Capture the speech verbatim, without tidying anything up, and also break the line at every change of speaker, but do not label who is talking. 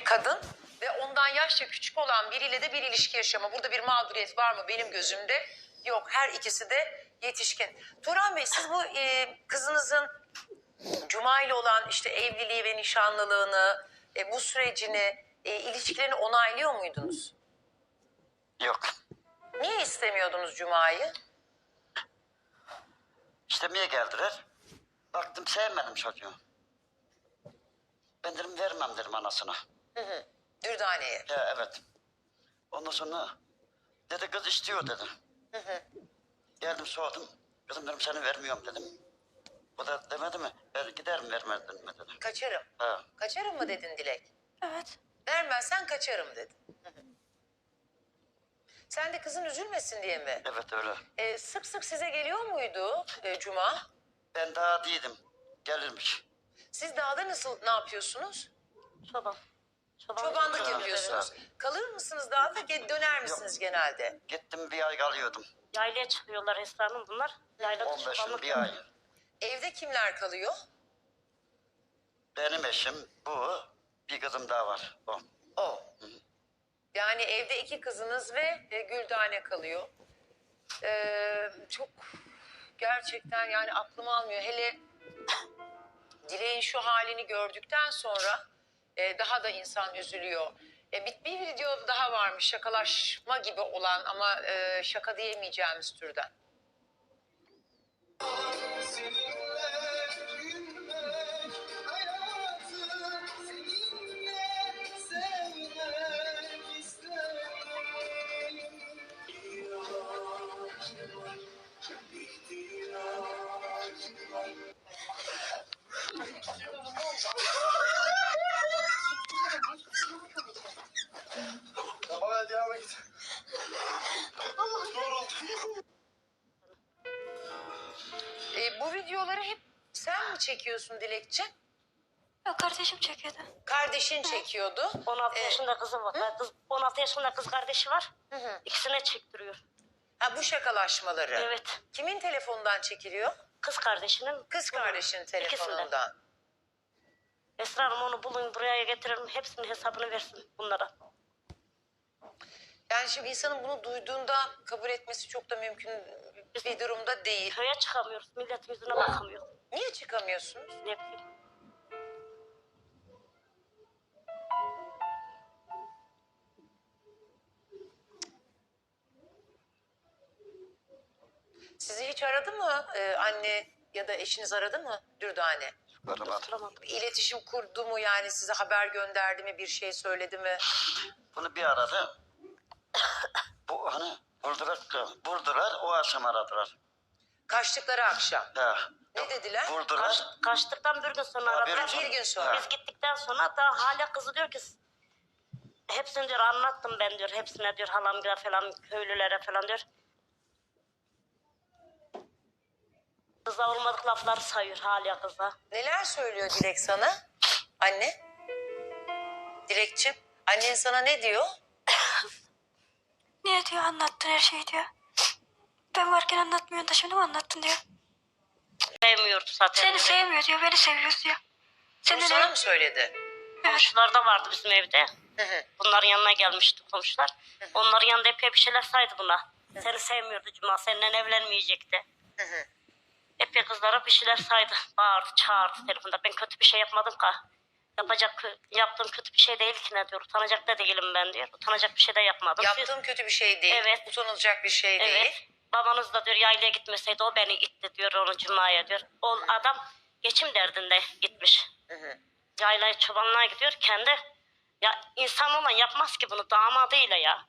kadın ve ondan yaşça küçük olan biriyle de bir ilişki yaşama. Burada bir mağduriyet var mı benim gözümde? Yok, her ikisi de yetişkin. Turan Bey, siz bu e, kızınızın Cuma ile olan işte evliliği ve nişanlılığını, e, bu sürecini, e, ilişkilerini onaylıyor muydunuz?
Yok.
Niye istemiyordunuz Cuma'yı?
İstemeye geldiler. Baktım sevmedim çocuğu. Ben dedim vermem dedim anasına.
Hı hı. Dürdane'ye.
Ya evet. Ondan sonra dedi kız istiyor dedi.
Hı hı.
Geldim sordum. Kızım dedim seni vermiyorum dedim. O da demedi mi? Ben giderim vermedin mi dedi.
Kaçarım.
Ha.
Kaçarım mı dedin Dilek?
Evet.
Vermezsen kaçarım dedin. Hı hı. Sen de kızın üzülmesin diye mi?
Evet öyle.
E, sık sık size geliyor muydu e, Cuma?
Ben daha değildim. Gelirmiş.
Siz dağda nasıl, ne yapıyorsunuz?
Çoban. Çobanlık,
Çobanlık
Evet,
yapıyorsunuz.
evet.
Kalır mısınız dağda, ge- döner misiniz genelde?
Gittim bir ay kalıyordum.
Yaylaya çıkıyorlar Esra Hanım bunlar. Yaylada
on beş
çobanlık
bir ay.
Evde kimler kalıyor?
Benim eşim bu. Bir kızım daha var. O.
O. Yani evde iki kızınız ve e, Güldane kalıyor. Ee, çok gerçekten yani aklım almıyor. Hele Dilek'in şu halini gördükten sonra e, daha da insan üzülüyor. E, bir, bir video daha varmış, şakalaşma gibi olan ama e, şaka diyemeyeceğimiz türden.
Tamam hadi devam et.
E, bu videoları hep sen mi çekiyorsun Dilekçe?
Yok, kardeşim çekiyordu.
Kardeşin çekiyordu.
on altı
Ee,
yaşında kızı var. Kız, on altı yaşında kız kardeşi var.
Hı hı.
İkisine çektiriyor.
Ha, bu şakalaşmaları.
Evet.
Kimin telefonundan çekiliyor?
Kız kardeşinin.
Kız kardeşin
İkisinden.
telefonundan.
Esra Hanım onu bulun buraya getirelim. Hepsinin hesabını versin bunlara.
Yani şimdi insanın bunu duyduğunda kabul etmesi çok da mümkün bir durumda değil.
Köye çıkamıyoruz. Milletin yüzüne bakamıyoruz.
Niye çıkamıyorsunuz?
Ne bileyim.
Sizi hiç aradı mı e, anne ya da eşiniz aradı mı Dürdane?
Aramadım.
Tutturamadım.
İletişim kurdu mu, yani size haber gönderdi mi, bir şey söyledi mi?
Bunu bir aradı. Bu hani vurdular, vurdular o akşam aradılar.
Kaçtıkları akşam.
Ya.
Ne dediler?
Vurdular.
Kaç, kaçtıktan bir gün sonra
Ha, bir
aradılar.
gün
Bir gün sonra.
Biz gittikten sonra daha hala kızı diyor ki hepsini diyor anlattım ben diyor. Hepsine diyor halamgıra falan köylülere falan diyor. Kıza olmadık lafları sayıyor hala kıza.
Neler söylüyor Dilek sana? Anne? Dilekçim, annen sana ne diyor?
Niye diyor, anlattın her şeyi diyor. Ben varken anlatmıyorsun da şimdi mi anlattın diyor.
Sevmiyordu zaten.
Seni sevmiyor diyor, beni seviyor diyor.
Bunu
Seni
sana
de
mı söyledi?
Komşular da vardı bizim evde.
Hı hı.
Bunların yanına gelmişti komşular. Onların yanında epey bir şeyler saydı buna. Seni sevmiyordu Cuma, seninle evlenmeyecekti.
Hı hı.
Epey kızlara bir şeyler saydı. Bağırdı, çağırdı telefonda. Ben kötü bir şey yapmadım ki. Yapacak, yaptığım kötü bir şey değil ki ne diyor. Utanacak da değilim ben diyor. Utanacak bir şey de yapmadım.
Yaptığım kötü bir şey değil,
Evet.
utanılacak bir şey
Evet.
değil.
Babanız da diyor yaylaya gitmeseydi o beni itti diyor onu Cuma'ya diyor. O adam geçim derdinde gitmiş.
Hı hı.
Yaylaya çobanlığa gidiyor. Kendi ya insan olan yapmaz ki bunu damadıyla ya.